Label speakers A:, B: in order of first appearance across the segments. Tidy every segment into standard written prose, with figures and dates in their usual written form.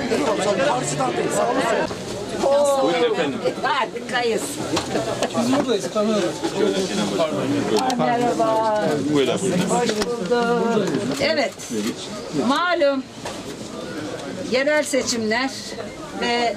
A: Buyurun efendim.
B: Harikayız.
C: Biz buradayız, kamerada.
B: Merhaba.
A: Buyurun.
B: Hoş bulduk. Evet. Malum yerel seçimler ve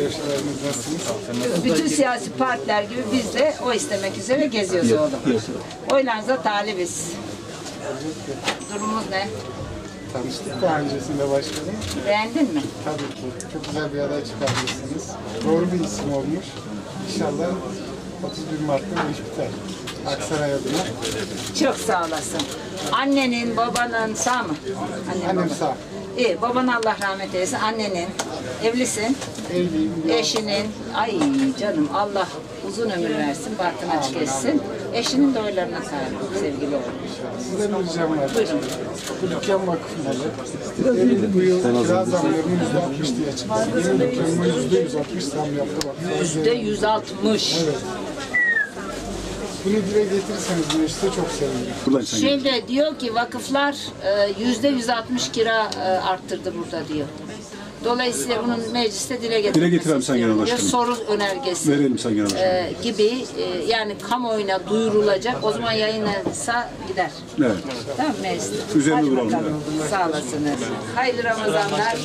B: bütün siyasi partiler gibi biz de oy istemek üzere geziyoruz oğlum. Oylarınıza talibiz. Durumumuz ne?
D: Tanıştık daha öncesinde başkanım.
B: Beğendin mi?
D: Tabii ki. Çok güzel bir aday çıkarmışsınız. Doğru bir isim olmuş. İnşallah 31 Mart'ta bu iş biter. Aksaray adına.
B: Çok sağ olasın. Annenin, babanın sağ mı?
D: Annem
B: baba.
D: sağ.
B: İyi, baban Allah rahmet eylesin. Annenin, evlisin.
D: Evliyim.
B: Eşinin, ay canım Allah uzun ömür versin, bahtını açık etsin. Eşinin de oylarına sahip sevgili oğlum.
D: Sizden bir ricam var.
B: Buyurun.
D: Bu dükkan vakıf malı. Bu yıl kira zamlarını %60 diye çıktı. Yeni dükkanıma %160 zam yaptı. Bak.
B: %160.
D: Evet. Bunu dile getirirseniz mecliste çok sevinirim.
B: Şimdi diyor ki vakıflar %160 kira arttırdı burada diyor. Dolayısıyla bunun mecliste dile
E: getirelim Sayın Genel
B: istiyorum.
E: Başkanım.
B: Soru önergesi
E: Verelim Sayın Genel Başkanım.
B: gibi yani kamuoyuna duyurulacak. O zaman yayınlanırsa gider.
E: Evet.
B: Tamam mı mecliste?
E: Üzerinde
B: Hadi
E: duralım,
B: bakalım. Sağ olasınız. Hayırlı Ramazanlar.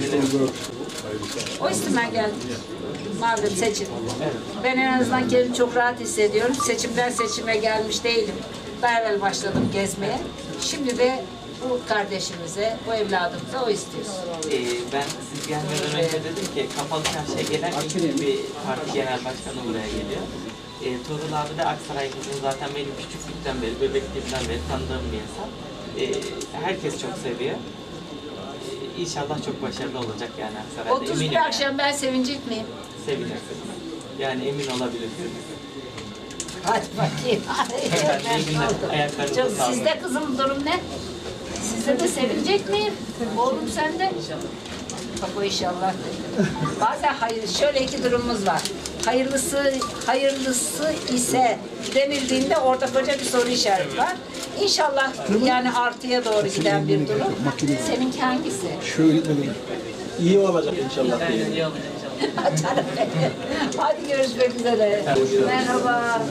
B: O istemeye geldim. Malum seçim. Ben en azından kendimi çok rahat hissediyorum. Seçimden seçime gelmiş değilim. Daha evvel başladım gezmeye. Şimdi de bu kardeşimize, bu evladımıza o istiyoruz.
F: Ben siz gelmeden önce dedim ki kapalı çarşıya gelen ilk bir parti genel başkanı buraya geliyor. Tuğrul abi de Aksaray'ımızın zaten benim küçüklükten beri, bebekliğimden beri tanıdığım bir insan. Herkes çok seviyor. İnşallah çok başarılı olacak yani Aksaray'da.
B: 31
F: Eminim
B: akşam ben sevinecek miyim?
F: sevinirsiniz. Yani emin olabilirsiniz.
B: Hadi bakayım.
F: İyi günler. Ayaklarınıza
B: Çok,
F: sağlık.
B: sizde kızım durum ne? Sizde de sevinecek miyim? Oğlum sende? Bak o inşallah. Bazen hayır, şöyle iki durumumuz var. Hayırlısı ise denildiğinde orada koca bir soru işareti var. İnşallah yani artıya doğru giden bir durum. Seninki hangisi?
C: Şöyle dedim. İyi olacak inşallah.
B: Canım benim. Hadi görüşmek üzere. Merhaba.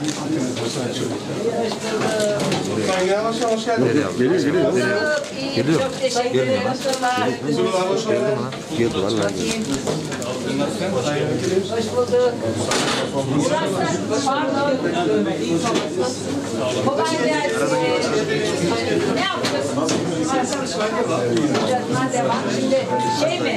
D: Sayın Genel Başkan hoş geldiniz.
B: Geliyor. Çok teşekkür ederim.
D: Hoş geldiniz.
B: Bakayım. Hoş bulduk. Burası, pardon. Kolay gelsin. Ne yapıyorsunuz? Devam. Şimdi şey mi?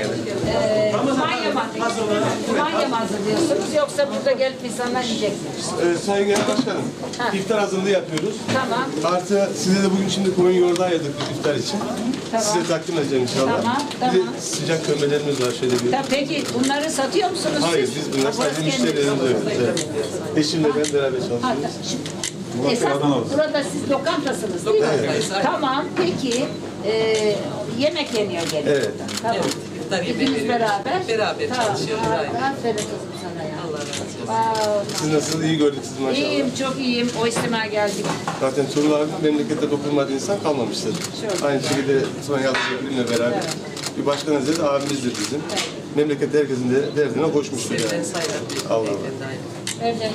B: Kumanya mı hazırlıyorsunuz yoksa burada gelip insanlar yiyecek mi?
G: Sayın Genel Başkanım, iftar hazırlığı yapıyoruz.
B: Tamam.
G: Artı size de bugün şimdi koyun yoğurdu ayırdık iftar için.
B: Tamam.
G: Size takdim edeceğim inşallah.
B: Tamam,
G: Bir de
B: tamam.
G: sıcak kömbelerimiz var şöyle bir.
B: Peki bunları satıyor musunuz
G: Hayır,
B: siz?
G: biz bunlar sadece
B: Burası kendiniz
G: müşterilerimize
B: satıyorsunuz.
G: yapıyoruz. Evet. Eşimle ben beraber
B: Ha,
G: çalışıyoruz.
B: esas burada siz lokantasınız değil mi? Tamam, peki yemek yeniyor gene.
G: Evet.
B: Tamam.
H: İftar yemeği
B: İkiniz
H: veriyoruz.
B: beraber.
H: Beraber çalışıyoruz, aynen.
B: Aferin kızım sana ya.
H: Allah razı olsun.
G: Siz nasılsınız? İyi gördük sizi maşallah.
B: İyiyim, çok iyiyim. O istemeye geldik.
G: Zaten Tuğrul abi memlekette dokunmadığı insan kalmamıştır. Aynı şekilde İsmail Yalçın Gül'le beraber. Bir başkan hazreti abimizdir bizim. Memlekette herkesin de derdine koşmuştur
H: Sevden
G: yani.
H: sayılan bir
G: Allah
H: beyefendi, aynen.
B: Öyle.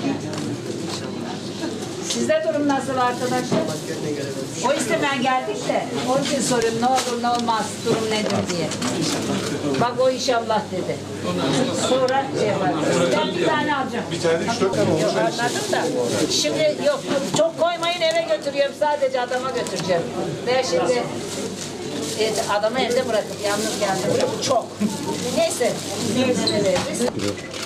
B: Sizde durum nasıl arkadaşlar?
H: Gönlüne göre böyle.
B: O istemeye geldik de onun için soruyorum ne olur ne olmaz durum nedir diye. Bak o inşallah dedi. Sonra şey yapar. Ben bir tane alacağım.
G: Bir tane de 3-4 tane olmuş.
B: Yok anladım da. Şimdi yok çok koymayın eve götürüyorum sadece adama götüreceğim. Ben şimdi adamı evde bırakıp yalnız geldim. Bu çok. Neyse. Neyse ne veririz?